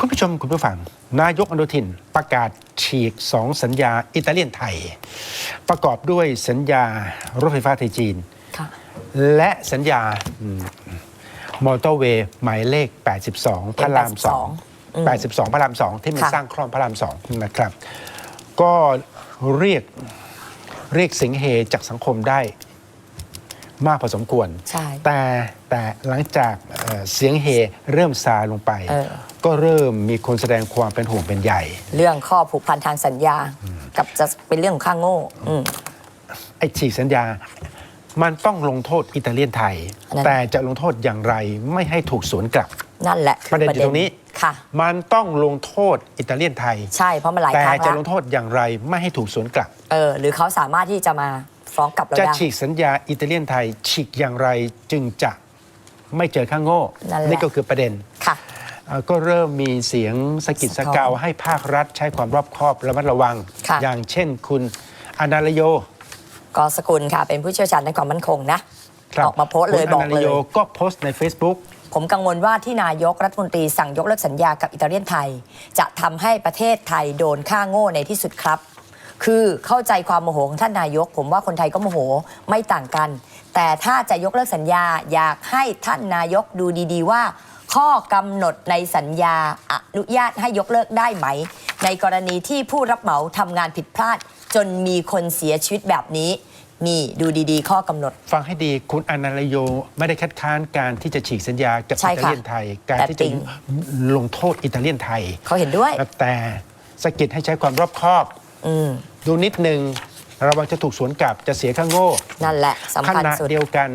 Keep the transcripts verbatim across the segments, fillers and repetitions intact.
คุณผู้ชมคุณผู้ฟังนายกอนุทินประกาศฉีกสองสัญญาอิตาเลียนไทยประกอบด้วยสัญญารถไฟฟ้าไทยจีนและสัญญามอเตอร์เวย์หมายเลขแปดสิบสองพระรามสอง แปดสิบสองพระรามสองที่มันสร้างคลองพระรามสองนะครับก็เรียกเรียกเสียงเฮจากสังคมได้มากพอสมควรแต่แต่หลังจากเอ่อเสียงเฮเริ่มซาลงไปก็เริ่มมีคนแสดงความเป็นห่วงเป็นใหญ่เรื่องข้อผูกพันทางสัญญากับจะเป็นเรื่องของข้างโง่ไอ้ฉีกสัญญามันต้องลงโทษอิตาเลียนไทยแต่จะลงโทษอย่างไรไม่ให้ถูกสวนกลับนั่นแหละประเด็นอยู่ตรงนี้มันต้องลงโทษอิตาเลียนไทยใช่เพราะมันหลายครั้งแต่จะลงโทษอย่างไรไม่ให้ถูกสวนกลับเออหรือเขาสามารถที่จะมาฟ้องกลับเราได้จะฉีกสัญญาอิตาเลียนไทยฉีกอย่างไรจึงจะไม่เจอข้างโง่นี่ก็คือประเด็นค่ะก็เริ่มมีเสียงสกิดสกาวให้ภาครัฐใช้ความรอบคอบระมัดระวังอย่างเช่นคุณอนาลโยกอสกุลค่ะเป็นผู้เชี่ยวชาญในความมั่นคงนะออกมาโพสต์เลยบอกเลยก็โพสต์ใน Facebook ผมกังวลว่าที่นายกรัฐมนตรีสั่งยกเลิกสัญญากับอิตาเลียนไทยจะทำให้ประเทศไทยโดนค่าโง่ในที่สุดครับคือเข้าใจความโมโหของท่านนายกผมว่าคนไทยก็โมโหไม่ต่างกันแต่ถ้าจะยกเลิกสัญญาอยากให้ท่านนายกดูดีๆว่าข้อกำหนดในสัญญาอนุญาตให้ยกเลิกได้ไหมในกรณีที่ผู้รับเหมาทำงานผิดพลาดจนมีคนเสียชีวิตแบบนี้นี่ดูดีๆข้อกำหนดฟังให้ดีคุณอนาลโยไม่ได้คัดค้านการที่จะฉีกสัญญากับอิตาเลียนไทยการที่จะลงโทษอิตาเลียนไทยเขาเห็นด้วยแต่สกิดให้ใช้ความรอบคอบดูนิดนึงระวังจะถูกสวนกลับจะเสียข้างโง่นั่นแหละสำคัญสุดขณะเดียวกัน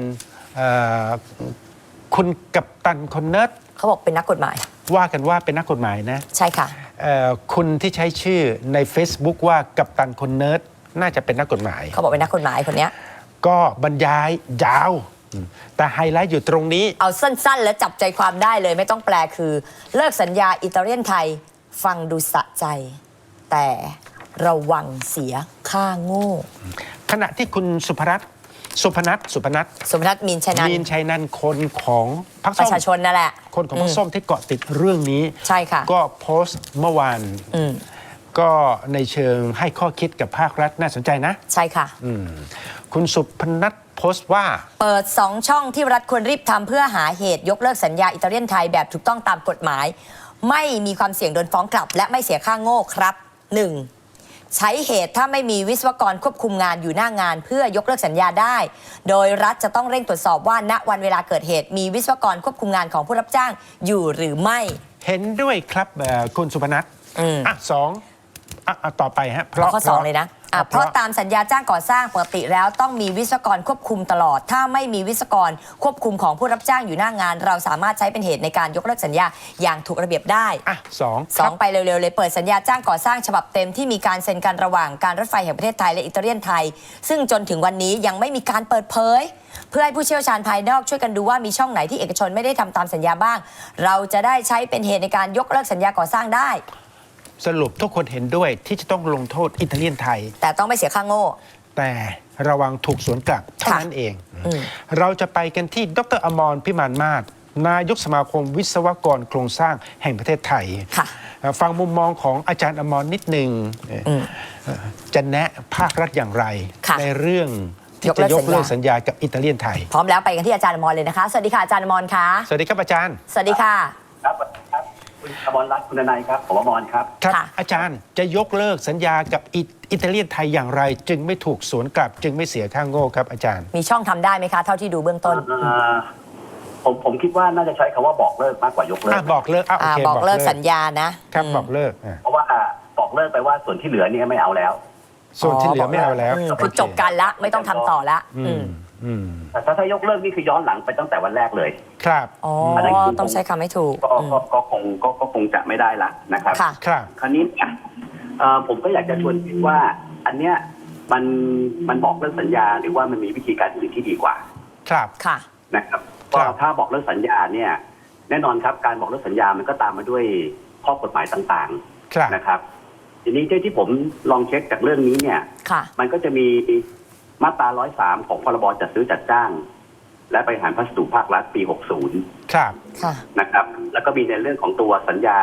คุณกัปตันคนเนิร์ดเขาบอกเป็นนักกฎหมายว่ากันว่าเป็นนักกฎหมายนะใช่ค่ะคุณที่ใช้ชื่อใน Facebook ว่ากัปตันคนเนิร์ดน่าจะเป็นนักกฎหมายเขาบอกเป็นนักกฎหมายคนนี้ก็บรรยายยาวแต่ไฮไลท์อยู่ตรงนี้เอาสั้นๆแล้วจับใจความได้เลยไม่ต้องแปลคือเลิกสัญญาอิตาเลียนไทยฟังดูสะใจแต่ระวังเสียค่าโง่ขณะที่คุณสุภรัตน์สุพนัทสุพนัทสุพนัทมีนชัยนันท์มีนชัยนันท์คนของพรรคส้มประชาชนนั่นแหละคนของพรรคส้มที่เกาะติดเรื่องนี้ใช่ค่ะก็โพสต์เมื่อวานก็ในเชิงให้ข้อคิดกับภาครัฐน่าสนใจนะใช่ค่ะคุณสุพนัทโพสต์ว่าเปิดสองช่องที่รัฐควรรีบทำเพื่อหาเหตุยกเลิกสัญญาอิตาเลียนไทยแบบถูกต้องตามกฎหมายไม่มีความเสี่ยงโดนฟ้องกลับและไม่เสียค่าโง่ครับ หนึ่งใช้เหตุถ้าไม่มีวิศวกรควบคุมงานอยู่หน้างานเพื่อยกเลิกสัญญาได้โดยรัฐจะต้องเร่งตรวจสอบว่าณวันเวลาเกิดเหตุมีวิศวกรควบคุมงานของผู้รับจ้างอยู่หรือไม่เห็นด้วยครับคุณสุพนัทอ่ะสองอ่ะต่อไปฮะเพราะข้อสองเลยนะเพราะตามสัญญาจ้างก่อสร้างปกติแล้วต้องมีวิศวกรควบคุมตลอดถ้าไม่มีวิศวกรควบคุมของผู้รับจ้างอยู่หน้างานเราสามารถใช้เป็นเหตุในการยกเลิกสัญญาอย่างถูกระเบียบได้อ่ะสองสองไปเร็วๆเลยเปิดสัญญาจ้างก่อสร้างฉบับเต็มที่มีการเซ็นกันระหว่างการรถไฟแห่งประเทศไทยและอิตาเลียนไทยซึ่งจนถึงวันนี้ยังไม่มีการเปิดเผยเพื่อให้ผู้เชี่ยวชาญภายนอกช่วยกันดูว่ามีช่องไหนที่เอกชนไม่ได้ทำตามสัญญาบ้างเราจะได้ใช้เป็นเหตุในการยกเลิกสัญญาก่อสร้างได้สรุปทุกคนเห็นด้วยที่จะต้องลงโทษอิตาเลียนไทยแต่ต้องไม่เสียค่าโง่แต่ระวังถูกสวนกลับเท่านั้นเองเราจะไปกันที่ดร.อมรพิมานมาศนายกสมาคมวิศวกรโครงสร้างแห่งประเทศไทยฟังมุมมองของอาจารย์อมรนิดหนึ่งจะแนะภาครัฐอย่างไรในเรื่องที่จะยกเลิกสัญญากับอิตาเลียนไทยพร้อมแล้วไปกันที่อาจารย์อมรเลยนะคะสวัสดีค่ะอาจารย์อมรค่ะสวัสดีครับอาจารย์สวัสดีค่ะครับคุณอมรรัตน์คุณนายครับผมอมรครับครับอาจารย์จะยกเลิกสัญญากับอิตาเลียนไทยอย่างไรจึงไม่ถูกสวนกลับจึงไม่เสียค่าโง่ครับอาจารย์มีช่องทำได้ไหมคะเท่าที่ดูเบื้องต้นผมผมคิดว่าน่าจะใช้คำว่าบอกเลิกมากกว่ายกเลิกบอกเลิกอ่ะโอเคบอกเลิกสัญญานะครับบอกเลิกเพราะว่าบอกเลิกไปว่าส่วนที่เหลือนี่ไม่เอาแล้วส่วนที่เหลือไม่เอาแล้วคือจบกันละไม่ต้องทำต่อละแต่ถ้าถ้ายกเลิกนี่คือย้อนหลังไปตั้งแต่วันแรกเลยครับอ๋อต้องใช้คำให้ถูกก็คงก็คงจะไม่ได้ละนะครับครับคราวนี้ผมก็อยากจะชวนคิดว่าอันเนี้ยมันมันบอกเลิกสัญญาหรือว่ามันมีวิธีการอื่นที่ดีกว่าครับค่ะนะครับก็ถ้าบอกเลิกสัญญาเนี่ยแน่นอนครับการบอกเลิกสัญญามันก็ตามมาด้วยข้อกฎหมายต่างๆนะครับทีนี้ที่ผมลองเช็คจากเรื่องนี้เนี่ยมันก็จะมีมาตราหนึ่งร้อยสามของพรบจัดซื้อจัดจ้างและบริหารพัสดุภาครัฐปีหกสิบครับนะครับแล้วก็มีในเรื่องของตัวสัญญา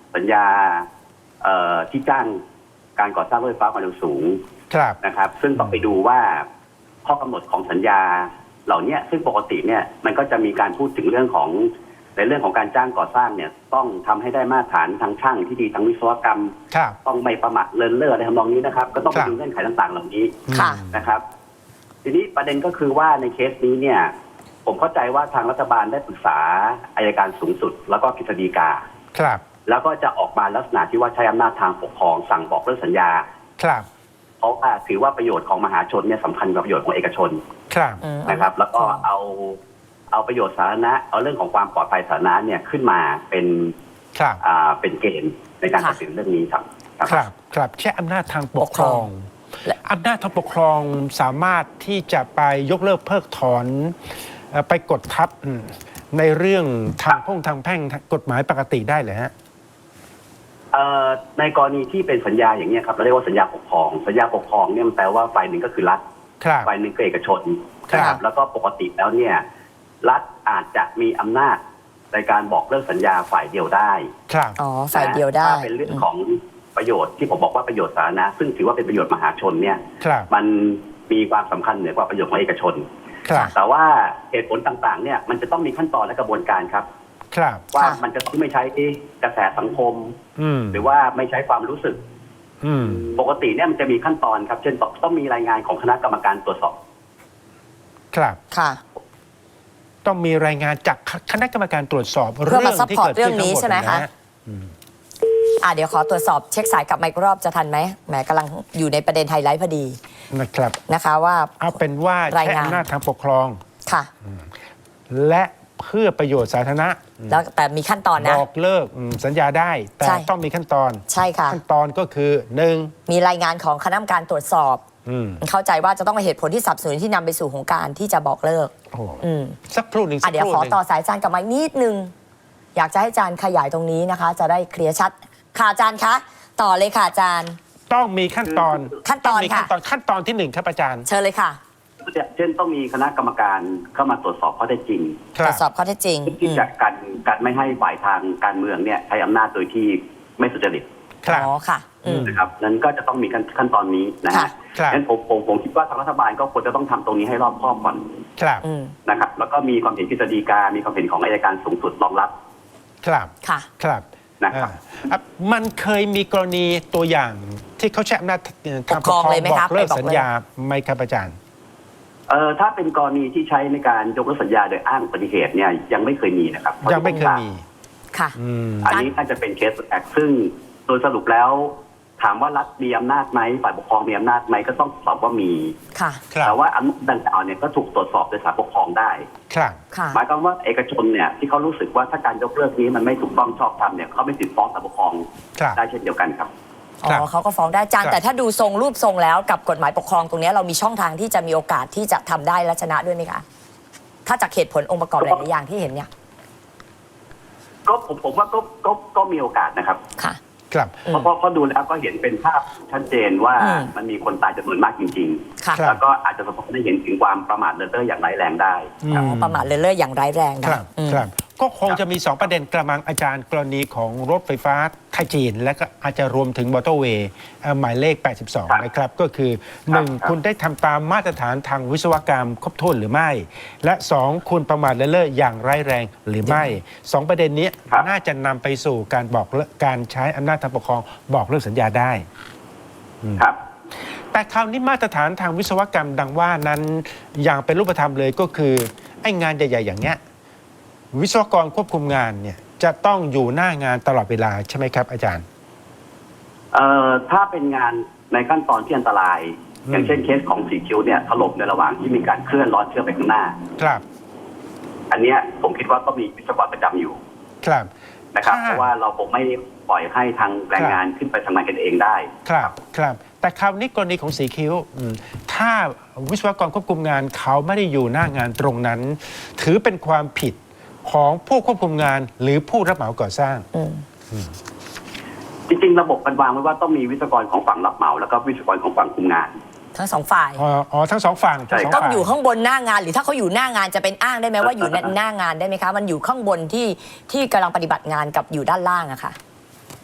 สัญญาเอ่อที่จ้างการก่อสร้างรถไฟฟ้าความเร็วสูงครับนะครับ ซึ่งต้องไปดูว่าข้อกำหนดของสัญญาเหล่านี้ซึ่งปกติเนี่ยมันก็จะมีการพูดถึงเรื่องของในเรื่องของการจ้างก่อสร้างเนี่ยต้องทำให้ได้มาตรฐานทางช่างที่ดีทางวิศวกรรมครับต้องไม่ประมาทเลินเล่ออะไรทำนองนี้นะครับ ก็ต้องคไปรับดูเงื่อนไขต่างๆ เหล่านี้ค่ะนะครับ ทีนี้ประเด็นก็คือว่าในเคสนี้เนี่ย ผมเข้าใจว่าทางรัฐบาลได้ปรึกษาอัยการสูงสุด แล้วก็กฤษฎีกาครับแล้วก็จะออกมาลักษณะที่ว่าใช้อำนาจทางปกครองสั่งบอกเลิกสัญญาครับเพราะว่าถือว่าประโยชน์ของมหาชนเนี่ยสำคัญกว่าประโยชน์ของเอกชนครับอืมนะครับ แล้วก็เอาเอาประโยชน์สาธารณะเอาเรื่องของความปลอดภัยสาธารณะเนี่ยขึ้นมาเป็นครับอ่าเป็นเกณฑ์ในการค่ะตัดสินเรื่องนี้ครับครับ ครับใช้อำนาจทางปกครองและอำนาจทางปกครองสามารถที่จะไปยกเลิกเพิกถอนเอ่อไปกดทับอืมในเรื่องทางพ่งทางแพ่งกฎหมายปกติได้เลยฮะเอ่อในกรณีที่เป็นสัญญาอย่างนี้ยครับเราเรียกว่าสัญญาปกครองสัญญาปกครองเนี่ยมันแปลว่าฝ่ายหนึ่งก็คือรัฐครับฝ่ายหนึ่งก็เอกชนครับนะแล้วก็ปกติแล้วเนี่ยรัฐอาจจะมีอำนาจในการบอกเลิกสัญญาฝ่ายเดียวได้ครับอ๋อฝ่ายเดียวได้ถ้าเป็นเรื่องของประโยชน์ที่ผมบอกว่าประโยชน์สาธารณะซึ่งถือว่าเป็นประโยชน์มหาชนเนี่ยครับมันมีความสำคัญเหนือกว่าประโยชน์ของเอกชนครับแต่ว่าเหตุผลต่างๆเนี่ยมันจะต้องมีขั้นตอนและกระบวนการครับครับว่าค่ะมันจะต้องไม่ใช้กระแสสังคมอืมหรือว่าไม่ใช้ความรู้สึกอืมปกติเนี่ยมันจะมีขั้นตอนครับ เช่นต้องมีรายงานของคณะกรรมการตรวจสอบครับค่ะต้องมีรายงานจากคณะกรรมการตรวจสอบเพื่อมาซัพพอร์ตที่เรื่องนี้กิดขึ้ใช่ไหมทั้งคะดนฮอืมอ่าเดี๋ยวขอตรวจสอบเช็คสายกลับมาอีกรอบจะทันไหมแหมกำลังอยู่ในประเด็นไฮไลท์พอดีนะครับนะคะว่าเอาเป็นว่าใช้รายงานอำนาจทางปกครองค่ะและเพื่อประโยชน์สาธารณะแล้วแต่มีขั้นตอนนะบอกเลิกอืมสัญญาได้ แต่ใช่ต้องมีขั้นตอนใช่ค่ะขั้นตอนก็คือหนึ่งมีรายงานของคณะกรรมการตรวจสอบอืมเข้าใจว่าจะต้องเป็นเหตุผลที่สนับสนุนที่นำไปสู่ของการที่จะบอกเลิกโอ้โหอืมสักครู่หนึ่งอ่ะสักเดี๋ยคว รู่ขอหนึ่งต่อสายอาจารย์กลับมาอีกนิดนึง อยากจะให้อาจารย์ขยายตรงนี้นะคะ จะได้เคลียร์ชัด ค่ะอาจารย์คะ ต่อเลยค่ะอาจารย์ต้องมีขั้นตอนขั้นตอนงมีขั้นค่ะตอนขั้นตอนที่หนึ่งครับอาจารย์เชิญเลยค่ะเช่นต้องมีคณะกรรมการเข้ามาตรวจสอบข้อเท็จจริงคตรรัวบจสอบข้อเท็จจริงที่จะกันกันไม่ให้ฝ่ายทางการเมืองเนี่ยใช้อำนาจโดยที่ไม่สุจริตครับอ๋อค่ะ อืมนะครับนั้นก็จะต้องมีขั้นขั้นตอนนี้นะค่ะฮะครับงั้นผมผมผมคิดว่าทางรัฐบาลก็ควรจะต้องทำตรงนี้ให้รอบคอบก่อนครับอืมนะครับแล้วก็มีความเห็นกฤษฎีกา มีความเห็นของอัยการสูงสุดรองรับครับค่ะครับนะครับอ่าอ่ะมันเคยมีกรณีตัวอย่างที่เขาใช้อำนาจทางปกครองเลยไหมบคะอกเลิกไปบอกสัญญาไหมครับอาจารย์เอ่อถ้าเป็นกรณีที่ใช้ในการยกเลิกสัญญาโดยอ้างอุบัติเหตุเนี่ยยังไม่เคยมีนะครับยังไม่เคยมีค่ะอืมอันนี้น่าจะเป็นเคสแอคซึ่งโดยสรุปแล้ว ถามว่ารัฐมีอำนาจไหมฝ่ายปกครองมีอำนาจไหมก็ต้องตอบว่ามีค่ะครับแต่ว่าอำนาจดังกล่าวเนี่ยก็ถูกตรวจสอบโดยศาลปกครองได้ครับค่ะหมายความว่าเอกชนเนี่ยที่เขารู้สึกว่าถ้าการยกเลิกนี้มันไม่ถูกต้องชอบธรรมเนี่ยเขาไม่ติดฟ้องศาลปกครองครับได้เช่นเดียวกันครับอ๋ครับอเขาก็ฟ้องได้อาจารย์ครับแต่ถ้าดูทรงรูปทรงแล้วกับกฎหมายปกครองตรงเนี้ยเรามีช่องทางที่จะมีโอกาสที่จะทำได้และชนะด้วยไหมคะ ถ้าจากเหตุผลองค์ประกอบหลายๆอย่างที่เห็นเนี่ยก็ผมผมว่าก็ก็ก็มีโอกาสนะครับค่ะครับอืมเพราะเพราะเพราะดูแล้วก็เห็นเป็นภาพชัดเจนว่าอืมมันมีคนตายจำนวนมากจริงค่ะครับๆ แล้วก็อาจจะสะท้อนให้เห็นถึงความประมาทเลินเล่ออย่างร้ายแรงได้อ๋อประมาทเลินเล่ออย่างร้ายแรงคนะรับอืมครับ ก็คงจะมีสองประเด็นกระมังอาจารย์กรณีของรถไฟฟ้าไทยจีน และก็อาจจะรวมถึงมอเตอร์เวย์เอ่อหมายเลข แปดสิบสองครับนะครับ ก็คือหนึ่งครับคุณได้ทำตามมาตรฐานทางวิศวกรรมครบถ้วนหรือไม่ และสองคุณประมาทเลินเล่ออย่างร้ายแรงหรือไม่สองประเด็นนี้ครับน่าจะนำไปสู่การบอกเลิกการใช้อำนาจทางปกครองบอกเลิกสัญญาได้ครับแต่คราวนี้มาตรฐานทางวิศวกรรมดังว่านั้นอย่างเป็นรูปธรรมเลยก็คือไอ้งานใหญ่ๆอย่างเนี้ยวิศวกรควบคุมงานเนี่ยจะต้องอยู่หน้างานตลอดเวลาใช่ไหมครับอาจารย์เอ่อถ้าเป็นงานในขั้นตอนที่อันตรายอืมอย่างเช่นเคสของสีคิ้วเนี่ยถล่มในระหว่างที่มีการเคลื่อนล้อเชื่อมไปข้างหน้าครับอันเนี้ยผมคิดว่าก็มีวิศวกรประจำอยู่ครับนะครับค่ะเพราะว่าเราคงไม่ปล่อยให้ทางแรงงานขึ้นไปทำงานกันเองได้ครับครับแต่คราวนี้กรณีของสีคิ้วอืมถ้าวิศวกรควบคุมงานเขาไม่ได้อยู่หน้างานตรงนั้น ถือเป็นความผิดของผู้ควบคุมงานหรือผู้รับเหมาก่อสร้างอืมจริงๆระบบมันวางไว้ว่าต้องมีวิศวกรของฝั่งรับเหมาแล้วก็วิศวกรของฝั่งคุมงานทั้งสองฝ่ายอ๋ออ๋อทั้งสองฝั่งทั้งสองต้องฝั่งอยู่ข้างบนหน้างาน หรือถ้าเขาอยู่หน้างานจะเป็นอ้างได้ไหมว่าอยู่ในหน้างานได้ไหมคะ มันอยู่ข้างบนที่ที่กำลังปฏิบัติงานกับอยู่ด้านล่างอะค่ะ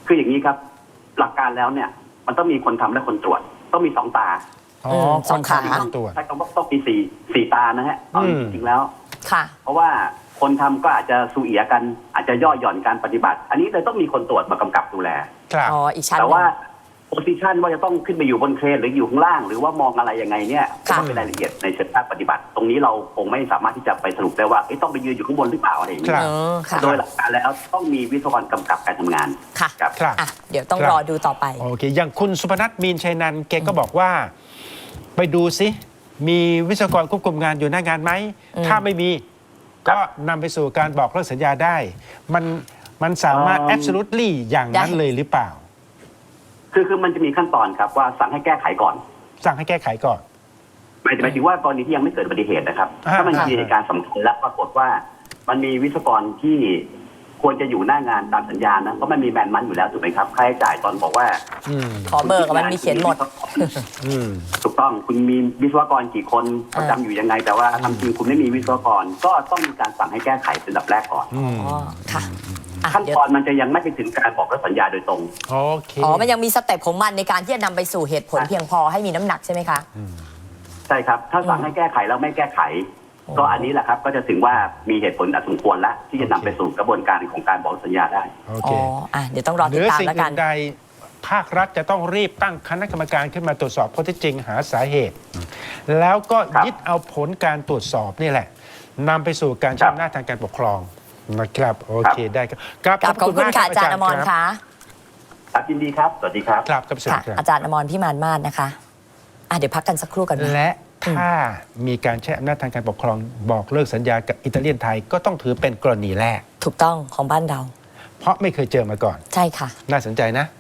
คืออย่างนี้ครับ หลักการแล้วเนี่ย มันต้องมีคนทำและคนตรวจ ต้องมีสองตาอ๋อมคสอน งขาทำคนตรวจใช้คำว่าต้องมีสี่สี่ตานะฮะเอาอืมจริงๆแล้วค่ะเพราะว่าคนทำก็อาจจะสูเอียกัน อาจจะย่อหย่อนการปฏิบัติ อันนี้เลยต้องมีคนตรวจมากำกับดูแลครับอ๋อ อีกชั้นหแต่นึ่งว่าโพซิชันว่าจะต้องขึ้นไปอยู่บนเครนหรืออยู่ข้างล่าง หรือว่ามองอะไรยังไงเนี่ยค่ะก็เป็นรายละเอียดในเชิงภาคปฏิบัติ ตรงนี้เราคงไม่สามารถที่จะไปสรุปได้ว่าเอ๊ะต้องไปยืนอยู่ข้างบนหรือเปล่าอะไรอย่างคนี้รับเออค่ะโดยหลักการแล้วต้องมีวิศวกรกำกับการทำงานค่ะครับครับอ่ะ เดี๋ยวต้องครับรอดูต่อไปโอเค อย่างคุณสุพนัทมีนชัยนันท์แกก็บอกว่า ไปดูซิมีวิศวกรควบคุมงานอยู่หน้างานไหมอืมถ้าไม่มีก็นำไปสู่การบอกเลิกสัญญาได้ มันมันสามารถเอิ่ม absolutely อย่างนั้นเลยหรือเปล่าคือคือมันจะมีขั้นตอนครับว่าสั่งให้แก้ไขก่อนสั่งให้แก้ไขก่อนหมายหมายถึงว่ากรณีที่ยังไม่เกิดอุบัติเหตุนะครับอ่าถ้ามันอ่ามีเหตุการณ์สำคัญและปรากฏว่า มันมีวิศวกรที่ควรจะอยู่หน้างานตามสัญญานะเพราะมันมีแมนมันอยู่แล้วถูกไหมครับค่าใช้จ่ายตอนบอกว่าอืมขอเบอร์กับมันมีเขียนหมดอืมถูกต้องคุณมีวิศวกรกี่คนประจำอยู่ยังไง แต่ว่าทำจริงคุณไม่มีวิศวกร ก็ต้องมีการสั่งให้แก้ไขเป็นลำดับแรกก่อนอืมอ๋อ ค่ะอ่ะขั้นเดี๋ยวตอนมันจะยังไม่ไปถึงการบอกเลิกสัญญาโดยตรงโอเคอ๋อ มันยังมีสเต็ปของมันในการที่จะนำไปสู่เหตุผลเพียงพอให้มีน้ำหนักใช่ไหมคะใช่ครับ ถ้าสั่งให้แก้ไขแล้วไม่แก้ไขโอ้ก็อันนี้แหละครับก็จะถึงว่ามีเหตุผลอันสมควรแล้วที่จะนำไปสู่กระบวนการของการบอกสัญญาได้โออ๋เคอ อ่ะ เดี๋ยวต้องรอเหติดนือตามสิ่งแล้วกัอื่นนใดภาครัฐจะต้องรีบตั้งคณะกรรมการขึ้นมาตรวจสอบข้อเท็จจริงหาสาเหตุ แล้วก็ครับยึดเอาผลการตรวจสอบนี่แหละนำไปสู่การครัใช้บอำนาจทางการปกครองนะครับโอเคได้ครับกับขอบคุณมากค่ะรับอาจารย์อมรคบค่ะครับยินดีครับ สวัสดีครับครับครับสวัสค่ะดีครับอาจารย์อมรพิมานมาศนะคะ อ่ะ เดี๋ยวพักกันสักครู่กันไหมและถ้ามีการใช้อำนาจทางการปกครอง บอกเลิกสัญญากับอิตาเลียนไทยก็ต้องถือเป็นกรณีแรกถูกต้องของบ้านเราเพราะไม่เคยเจอมาก่อนใช่ค่ะน่าสนใจนะ